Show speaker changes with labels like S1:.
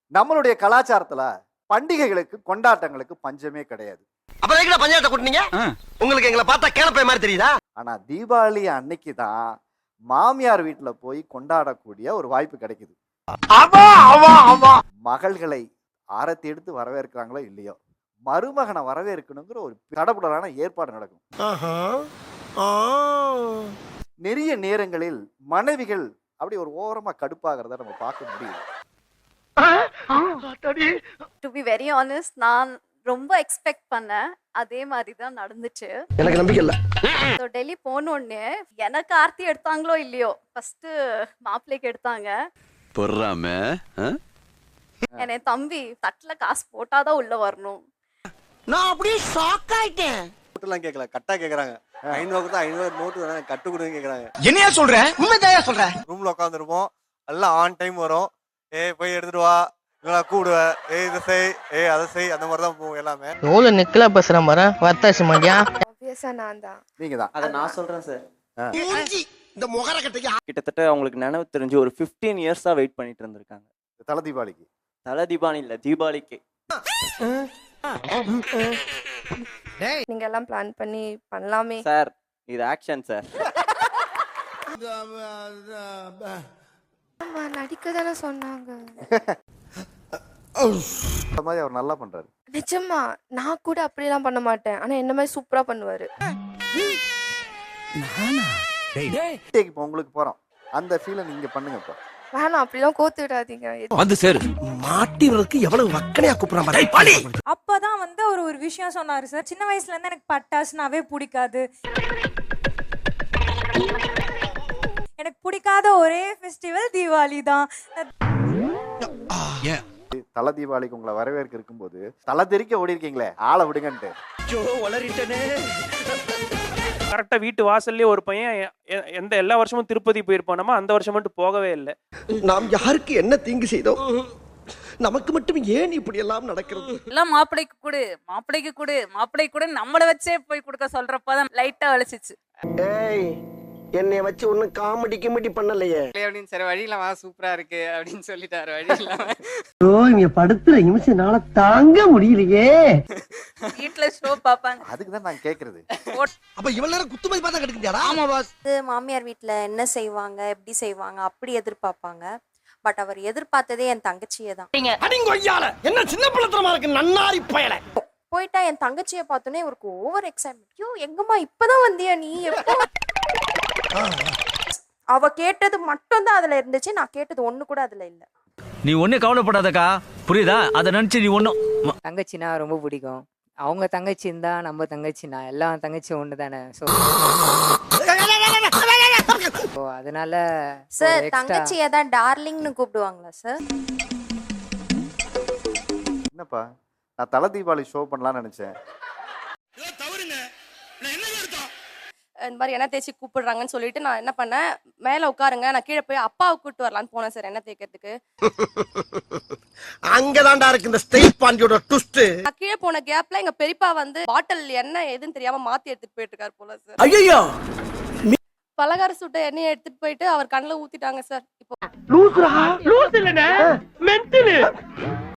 S1: நம்மளுடைய கலாச்சாரத்துல பண்டிகைகளுக்கு கொண்டாட்டங்களுக்கு பஞ்சமே கிடையாது.
S2: அப்புறம் எங்கடா பஞ்சாயத்தை கூட்டினீங்க? உங்களுக்கு எங்களை பார்த்தா கேனப்பை மாதிரி தெரியுதா?
S1: ஆனா தீபாவளி அன்னைக்கு தான் மாமியார் வீட்டுல போய் கொண்டாடக்கூடிய ஒரு வாய்ப்பு கிடைக்குது. மகள்களை ஆரத்தி எடுத்து வரவேற்கிறாங்களோ இல்லையோ, மருமகனை வரவேற்கணுங்கிற ஒரு தடபுடலான ஏற்பாடு நடக்கும். நிறைய நேரங்களில் மனைவிகள் அப்படி ஒரு ஓரமா கடுப்பாகிறத நம்ம பார்க்க முடியுது.
S3: டு பி வெரி ஆனஸ்ட், நான் ரொம்ப எக்ஸ்பெக்ட் பண்ணேன். அதே மாதிரி தான் நடந்துச்சு.
S2: எனக்கு நம்பிக்கை இல்ல.
S3: ஸோ டெல்லி போனோடனே எனக்கு ஆர்த்தி எடுத்தாங்களோ இல்லையோ, ஃபர்ஸ்ட் மாப்பிள்ளைக்கு எடுத்தாங்க. என் தம்பி தட்டுல காசு போட்டாதான் உள்ள வரணும்.
S2: நான் அப்படியே ஷாக் ஆயிட்டேன்.
S4: நோட்டுலாம் கேட்கல, கட்டா கேக்குறாங்க. 500 தான் 500 நோட்டு வேணா கட்டு கொடுங்க கேக்குறாங்க.
S2: என்னையா சொல்ற? உண்மைதான் சொல்றேன்.
S4: ரூம்ல உட்காந்துருப்போம், எல்லாம் ஆன் டைம் வரும். போய் எடுத்துட்டு வா, இல்லைனா கூடுவேன், இதை செய், அதை செய், அந்த மாதிரி தான் போகும் எல்லாமே.
S5: எவ்வளவு நெக்கலா பேசுற மாதிரி வர்த்தாசி மாட்டியா?
S6: ஆப்வியஸா நான் தான்.
S1: நீங்க தான்
S7: அதை நான் சொல்றேன் சார்.
S2: இந்த முகர கட்டைக்கு
S7: கிட்டத்தட்ட அவங்களுக்கு நினைவு தெரிஞ்சு ஒரு 15 இயர்ஸா வெயிட் பண்ணிட்டு இருந்திருக்காங்க.
S1: தல தீபாவளிக்கு.
S7: தல தீபாவளி இல்ல, தீபாவளிக்கு.
S6: நீங்க எல்லாம் பிளான் பண்ணி பண்ணலாமே
S7: சார், இது ஆக்ஷன் சார்.
S6: ஆமா, நடிக்க தானே சொன்னாங்க.
S1: அந்த மாதிரி அவர் நல்லா பண்றாரு.
S6: நிஜமா நான் கூட அப்படிலாம் பண்ண மாட்டேன், ஆனா என்ன மாதிரி சூப்பரா பண்ணுவாரு.
S1: இப்போ உங்களுக்கு போறோம், அந்த ஃபீலை நீங்க பண்ணுங்க. இப்போ
S6: வேணாம், அப்படிலாம் கோத்து விடாதீங்க.
S2: வந்து சேரு. மாட்டிவருக்கு எவ்வளவு வக்கனையா கூப்பிடுறான்.
S8: அப்பதான் வந்து அவர் ஒரு விஷயம் சொன்னாரு சார். சின்ன வயசுல இருந்து எனக்கு பட்டாசுனாவே பிடிக்காது. எனக்கு பிடிக்காத ஒரே ஃபெஸ்டிவல் தீபாவளி தான்.
S1: தல தீபாவளிக்கு உங்களை வரவேற்க இருக்கும்போது தலை தெறிக்க ஓடி இருக்கீங்களே, ஆளை விடுங்கன்ட்டு.
S9: கரெக்டா வீட்டு வாசல்லே ஒரு பையன் எல்லா வருஷமும் திருப்பதி போயிருப்பானமா, அந்த வருஷம் மட்டும் போகவே இல்லை.
S2: நாம் யாருக்கு என்ன தீங்கு செய்தோம்? நமக்கு மட்டும் ஏன் இப்படி எல்லாம் நடக்கிறது?
S10: எல்லாம் மாப்பிள்ளைக்கு கொடு, மாப்பிள்ளைக்கு கொடு, மாப்பிள்ளைக்கு கொடு நம்மள வச்சே போய் கொடுக்க சொல்றப்பதான் லைட்டா வலிச்சிச்சு.
S2: ஏய், என்னை வச்சு ஒன்னும் காமெடி கிமெடி பண்ணலையே
S10: அப்படின்னு சரி வழி இல்லாம சூப்பரா இருக்கு அப்படின்னு சொல்லிட்டாரு. வழி இல்லாம
S5: இங்க படுத்துற நிமிஷம்னால தாங்க முடியலையே.
S10: வீட்டுல ஷோ பாப்பாங்க.
S1: அதுக்கு தான் நான் கேக்குறது.
S2: அப்ப இவ்வளவு நேரம் குத்துமதி பார்த்தா கிடைக்குதுடா.
S10: ஆமா பாஸ்.
S3: மாமியார் வீட்டுல என்ன செய்வாங்க, எப்படி செய்வாங்க அப்படி எதிர்பார்ப்பாங்க. பட் அவர் எதிர்பார்த்ததே என் தங்கச்சியை தான்.
S2: அடிங்கொய்யால என்ன சின்ன பிள்ளைத்தனமா இருக்கு நன்னாரி பயல.
S3: போயிட்டா என் தங்கச்சியை பார்த்தோன்னே இவருக்கு ஓவர் எக்ஸைட்மெண்ட். ஐயோ எங்கம்மா இப்பதான் வந்தியா நீ? எப்போ? அவ கேட்டது மட்டும் தான் அதுல இருந்துச்சு, நான் கேட்டது ஒண்ணு கூட அதுல இல்ல.
S11: நீ ஒன்னும் கவலைப்படாதக்கா, புரியுதா? அதை நினைச்சு நீ ஒன்னும்.
S10: தங்கச்சினா ரொம்ப பிடிக்கும். அவங்க தங்கச்சி இருந்தா நம்ம தங்கச்சினா எல்லா தங்கச்சியும் ஒண்ணு தானே. ஸோ அதனால
S3: சார் தங்கச்சியை தான் டார்லிங்னு கூப்பிடுவாங்களா சார்?
S1: என்னப்பா, நான் தல தீபாவளி ஷோ பண்ணலாம்னு நினைச்சேன்.
S6: இந்த மாதிரி எண்ணெய் தேய்ச்சி கூப்பிடுறாங்கன்னு சொல்லிட்டு நான் என்ன பண்ணேன், மேல உட்காருங்க, நான் கீழே போய் அப்பாவை கூப்பிட்டு வரலான்னு போனேன் சார் எண்ணெய் தேய்க்கிறதுக்கு.
S2: அங்கதான்டா இருக்கு இந்த ஸ்டேட் பாண்டியோட ட்விஸ்ட்.
S6: நான் கீழே போன கேப்ல எங்க பெரியப்பா வந்து பாட்டில் எண்ணெய் எதுன்னு தெரியாம மாத்தி எடுத்துட்டு போயிட்டு இருக்காரு போல சார்.
S2: ஐயோ,
S6: பலகார சுட்ட எண்ணெயை எடுத்துட்டு போயிட்டு அவர் கண்ணுல ஊத்திட்டாங்க சார். இப்போ
S5: லூசுரா, லூசு இல்லனே, மென்டல்.